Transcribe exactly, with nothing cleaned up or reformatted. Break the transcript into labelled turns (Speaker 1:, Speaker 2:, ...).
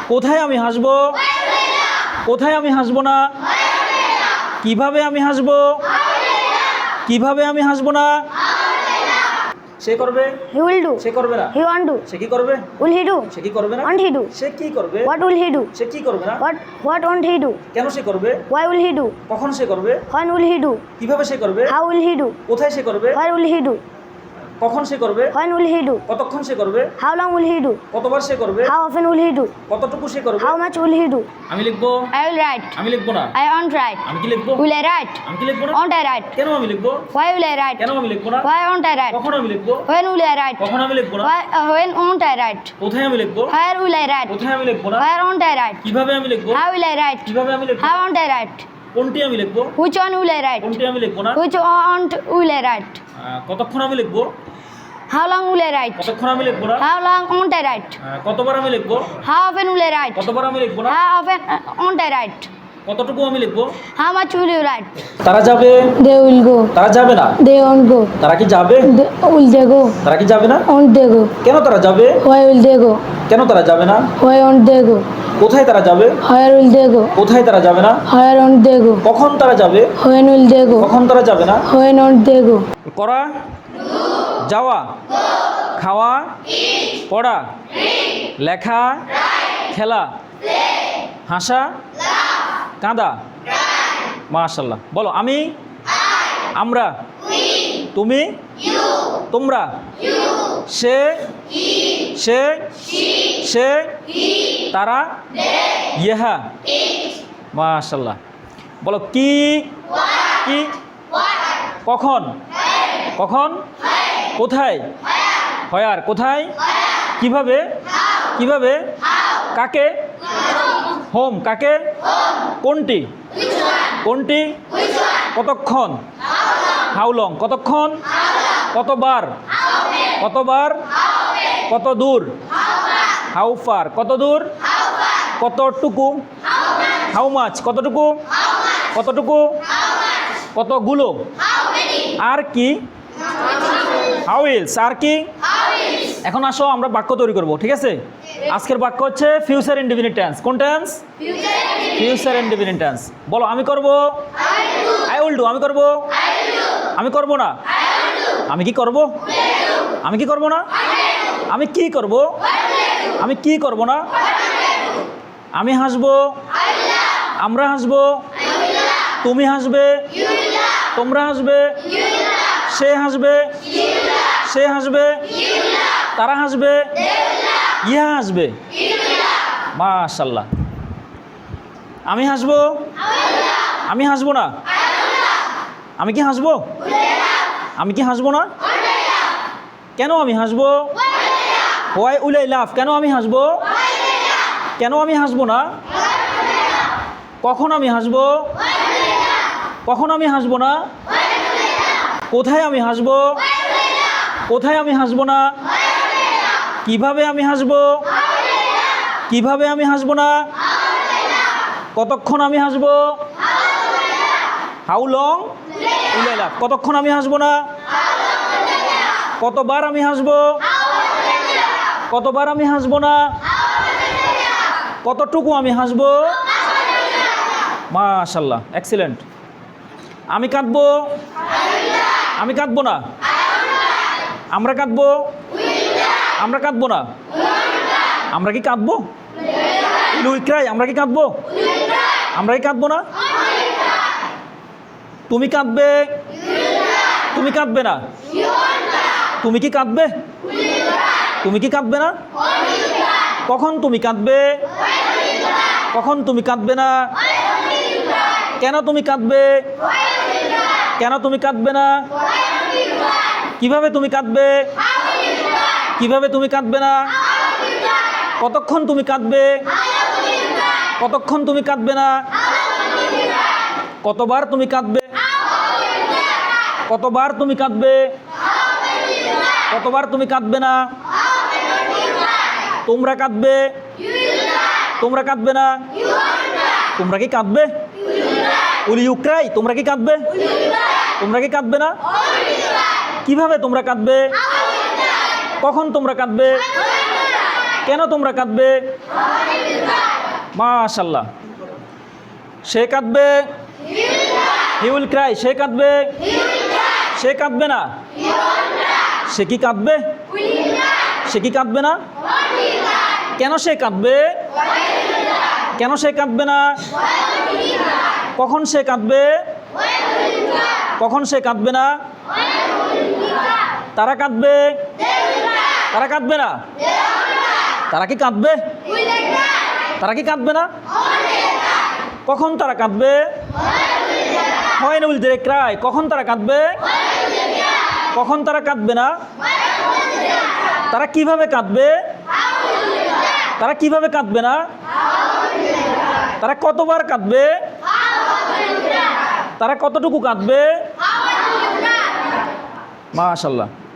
Speaker 1: কোথায় আমি হাসবো? কোথায় আমি হাসবো না? কিভাবে আমি হাসবো? কিভাবে আমি হাসবো না? সে করবে,
Speaker 2: He will do.
Speaker 1: সে করবে না।
Speaker 2: He won't do.
Speaker 1: সে কি করবে?
Speaker 2: Will he do?
Speaker 1: সে কি করবে না।
Speaker 2: Won't he do?
Speaker 1: সে কি করবে?
Speaker 2: What will he do?
Speaker 1: সে কি করবে না।
Speaker 2: What What won't he do?
Speaker 1: কেন সে করবে?
Speaker 2: Why will he do?
Speaker 1: কখন সে করবে?
Speaker 2: When will he do?
Speaker 1: কিভাবে সে করবে?
Speaker 2: How will he do?
Speaker 1: কোথায় সে করবে?
Speaker 2: Where will he do?
Speaker 1: কখন সে করবে?
Speaker 2: When will he do?
Speaker 1: কতক্ষণ সে করবে?
Speaker 2: How long will he do?
Speaker 1: কতবার সে করবে?
Speaker 2: How often will he do?
Speaker 1: কতটুকু সে করবে?
Speaker 2: How much will he do?
Speaker 1: আমি লিখবো,
Speaker 2: I will write.
Speaker 1: আমি লিখবো না।
Speaker 2: I won't write.
Speaker 1: আমি কি লিখবো?
Speaker 2: Will I write?
Speaker 1: আমি কি লিখবো না।
Speaker 2: Won't I write?
Speaker 1: কেন আমি লিখবো?
Speaker 2: Why will I write?
Speaker 1: কেন আমি লিখবো না।
Speaker 2: Why won't I write?
Speaker 1: কখন আমি লিখবো?
Speaker 2: When will I write?
Speaker 1: কখন আমি লিখবো না।
Speaker 2: Why uh, When won't I write?
Speaker 1: কোথায় আমি লিখবো?
Speaker 2: Where will I write?
Speaker 1: কোথায় আমি লিখবো না।
Speaker 2: Where won't I write?
Speaker 1: কিভাবে আমি লিখবো?
Speaker 2: How will I write?
Speaker 1: কিভাবে আমি লিখবো?
Speaker 2: How won't I write?
Speaker 1: কোনটি আমি লিখবো?
Speaker 2: Which one will I write?
Speaker 1: কোনটি আমি লিখবো না।
Speaker 2: Which one will I write?
Speaker 1: আহ, কতক্ষণ আমি লিখবো?
Speaker 2: How long will I write?
Speaker 1: কতক্ষণ আমি লিখবো না।
Speaker 2: How long won't I write?
Speaker 1: আহ, কতবার আমি লিখবো?
Speaker 2: How often will I write?
Speaker 1: কতবার আমি লিখবো না।
Speaker 2: How often uh, won't I write?
Speaker 1: কতটুকু আমি লিখবো?
Speaker 2: How much will you write?
Speaker 1: তারা যাবে,
Speaker 2: They will go.
Speaker 1: তারা যাবে না।
Speaker 2: They won't go.
Speaker 1: তারা কি যাবে?
Speaker 2: They, will they go?
Speaker 1: তারা কি যাবে না।
Speaker 2: Won't they go?
Speaker 1: কেন তারা যাবে?
Speaker 2: Why will they go?
Speaker 1: কেন তারা যাবে না।
Speaker 2: Why won't they go?
Speaker 1: কোথায় তারা যাবে?
Speaker 2: Where will they go?
Speaker 1: কোথায় তারা যাবে না।
Speaker 2: Where won't they go?
Speaker 1: কখন তারা যাবে?
Speaker 2: When will they go?
Speaker 1: কখন তারা যাবে না।
Speaker 2: When won't they go?
Speaker 1: করা, যাওয়া, খাওয়া, পড়া, লেখা, খেলা, হাসা, কাঁদা। মাশাআল্লাহ। বলো আমি, আমরা, তুমি, তোমরা, সে, সে, সে, তারা, ইহা। মাশাআল্লাহ। বলো কি, কি, কখন, কখন, কোথায়, হয়ার, কোথায়, কিভাবে, কিভাবে, কাকে, হোম, কাকে, কোনটি, কোনটি, কতক্ষণ, হাউ লং, কতক্ষণ, কতবার, কতবার, কত দূর, হাউ ফার, কত দূর, কতটুকু, হাউ মাছ, কতটুকু, কতটুকু, কতগুলো, আর কি, হাউ ইলস, আর কি। এখন আসো আমরা বাক্য তৈরি করব, ঠিক আছে। আজকের বাক্য হচ্ছে ফিউচার ইনডিফিনিট টেন্স। কোন টেন্স? Future indefinite tense. বলো আমি করব, আই উইল ডু। আমি করব, আমি করব না। আমি কি করব? আমি কি করব না। আমি কি করব? আমি কি করব না। আমি হাসবো, আমরা হাসবো, তুমি হাসবে, তোমরা হাসবে, সে হাসবে, সে হাসবে, তারা হাসবে, ইহা হাসবে। মাশাআল্লাহ। আমি হাসবো, আমি হাসবো না। আমি কি হাসবো? আমি কি হাসবো না। কেন আমি হাসবো? হোয়াই উইল আই লাফ। কেন আমি হাসবো? কেন আমি হাসবো না। কখন আমি হাসবো? কখন আমি হাসবো না। কোথায় আমি হাসবো? কোথায় আমি হাসবো না। কিভাবে আমি হাসবো? কিভাবে আমি হাসবো না। কতক্ষণ আমি হাসবো? হাউ লং উইল আই লাফ। কতক্ষণ আমি হাসবো না। কতবার আমি হাসবো? কতবার আমি হাসবো না। কতটুকু আমি হাসবো? মাশাআল্লাহ, এক্সিলেন্ট। আমি কাঁদবো, আমি কাঁদবো না। আমরা কাঁদবো, আমরা কাঁদবো না। আমরা কি কাঁদবো? Will cry. আমরা কি কাঁদবো? আমরা কি কাঁদবো না। তুমি কাঁদবে, তুমি কাঁদবে না। তুমি কি কাঁদবে? তুমি কি কাঁদবে না। কখন তুমি কাঁদবে? কখন তুমি কাঁদবে না। কেন তুমি কাঁদবে? কেন তুমি কাঁদবে না। কিভাবে তুমি কাঁদবে? কিভাবে তুমি কাঁদবে না। কতক্ষণ তুমি কাঁদবে? কতক্ষণ তুমি কাঁদবে না। কতবার তুমি কাঁদবে? কতবার তুমি কাঁদবে? কতবার তুমি কাঁদবে না। তোমরা কাঁদবে, তোমরা কাঁদবে না। তোমরা কি কাঁদবে? Will you cry. তোমরা কি কাঁদবে? তোমরা কি কাঁদবে না। কিভাবে তোমরা কাঁদবে? কখন তোমরা কাঁদবে? কেন তোমরা কাঁদবে? মাশাল্লাহ। সে কাঁদবে, হি উইল ক্রাই। সে কাঁদবে, সে কাঁদবে না। সে কি কাঁদবে? সে কি কাঁদবে না? কেন সে কাঁদবে? কেন সে কাঁদবে না? কখন সে কাঁদবে? কখন সে কাঁদবে না? তারা কাঁদবে, তারা কাঁদবে না। তারা কি কাঁদবে? তারা কি কাঁদবে না? কখন তারা কাঁদবে? When will they cry? কখন তারা কাঁদবে? কখন তারা কাঁদবে না? তারা কিভাবে কাঁদবে? তারা কিভাবে কাঁদবে না? তারা কতবার কাঁদবে? তারা কতটুকু কাঁদবে? মাশাআল্লাহ।